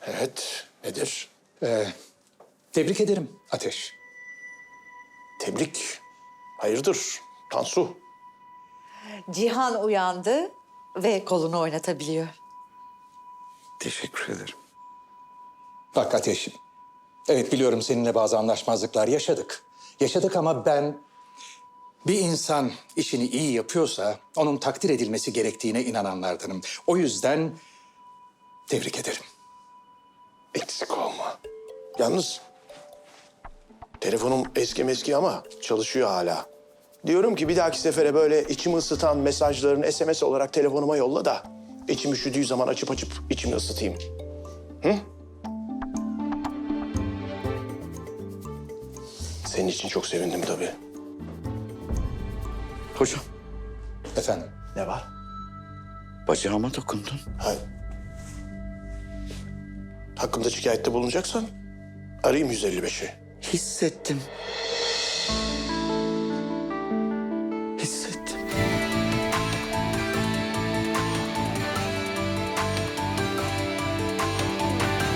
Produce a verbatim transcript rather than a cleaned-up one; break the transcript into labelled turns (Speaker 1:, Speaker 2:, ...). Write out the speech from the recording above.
Speaker 1: Evet, nedir?
Speaker 2: Ee, tebrik ederim Ateş.
Speaker 1: Tebrik. Hayırdır Tansu?
Speaker 3: Cihan uyandı ve kolunu oynatabiliyor.
Speaker 4: Teşekkür ederim.
Speaker 2: Bak Ateş'im. Evet biliyorum seninle bazı anlaşmazlıklar yaşadık. Yaşadık ama ben bir insan işini iyi yapıyorsa onun takdir edilmesi gerektiğine inananlardanım. O yüzden tebrik ederim.
Speaker 1: Eksik olma. Yalnız telefonum eski meski ama çalışıyor hala. Diyorum ki bir dahaki sefere böyle içimi ısıtan mesajlarını S M S olarak telefonuma yolla da içim üşüdüğü zaman açıp açıp içimi ısıtayım. Hı? Senin için çok sevindim tabii.
Speaker 4: Hocam,
Speaker 2: Efendim?
Speaker 1: Ne var?
Speaker 4: bacağıma dokundun.
Speaker 1: Ha. Hakkımda şikayette bulunacaksan arayayım yüz elli beşi.
Speaker 4: Hissettim.